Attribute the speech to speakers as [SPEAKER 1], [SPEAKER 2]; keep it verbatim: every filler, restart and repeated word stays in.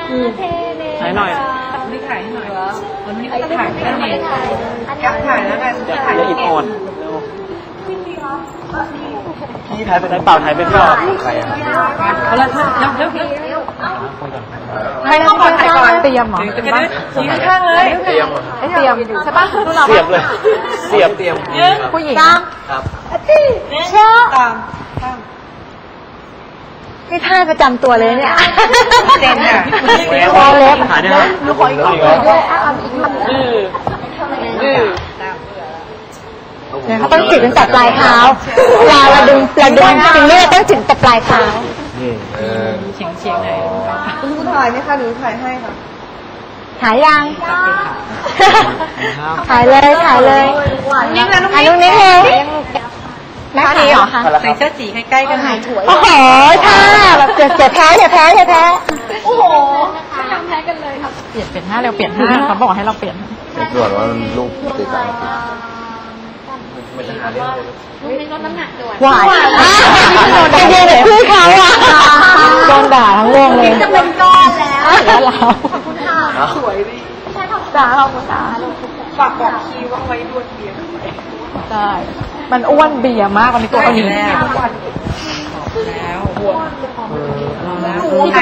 [SPEAKER 1] ถ่ายหน่อย
[SPEAKER 2] นี่ถ่ายให้หน่อยวันนี้ก็จะถ่ายไม่ได้เลยอยากถ่ายแล้วกันจะถ่าย
[SPEAKER 1] อย่าอิดอ่อนพี่ถ่ายไปไหนเปล่าถ่ายไปเปล่าใครอ่ะ
[SPEAKER 2] เอาละเร็วเร็วเร็วไม่ต้องก่อนถ่ายก่อนเตรียมหรอจะได้ชี้ข้างเลยเตรียมเตรียมใช่ป่ะ
[SPEAKER 1] เสียบเลยเสียบเตรียม
[SPEAKER 2] ผู้หญิง
[SPEAKER 1] ครับ
[SPEAKER 2] เชื่อตาม
[SPEAKER 3] นี่ท่าประจำตัวเลยเนี่ย
[SPEAKER 2] เด่นอ่ะ
[SPEAKER 3] คอเล็บ
[SPEAKER 1] ถ่ายได้ไหม
[SPEAKER 3] ดูขออีกด้วยเอาอีกเนี่ยเขาต้องจิกตั้งแต่ปลายเท้าเวลาเราดึงเราดึงจริงๆเราต้องจิกแต่ปลายเท้า
[SPEAKER 2] เฉียงเฉียงเลย
[SPEAKER 4] คุณครูถ่ายไหมคะหนูถ่ายให้ค่ะ
[SPEAKER 3] ถ่ายยังถ่ายเลยถ่ายเลย
[SPEAKER 2] นี่นะน้อง
[SPEAKER 3] นิ้วนิ้วนิ้วแม่นี้เหรอคะ
[SPEAKER 2] ใส่เสื้อสีใกล้ๆกันหายถวย
[SPEAKER 3] โอ้โหท่าแบบเจ็บแพ้เจ็บแพ้เจ็บแพ้
[SPEAKER 4] โอ้โห
[SPEAKER 2] ไม่ยอมแพ้กันเลยครับเปลี่ยนเปลี่ยนท่าเร็วเปลี่ยนท่าเขาบอกให้เราเปลี่ยน
[SPEAKER 5] ตรวจว่ามันลูกติดกัน
[SPEAKER 3] หวานไปเย็นเลยพี่เขาอ่ะโดนด่าทั้งวงเลย
[SPEAKER 4] จะเป็นก้อนแล้ว
[SPEAKER 3] แล้วเรา
[SPEAKER 4] ขอบคุณค่ะสวยดิ
[SPEAKER 3] ใช่ขอบคุณขอบคุณค่ะ
[SPEAKER 4] ฝากบอกคีว่าไว้ดวนเบียร์
[SPEAKER 3] ใช่มันอ้วนเบียร์มากวันนี้ตัวนี้
[SPEAKER 2] แล้วแล้ว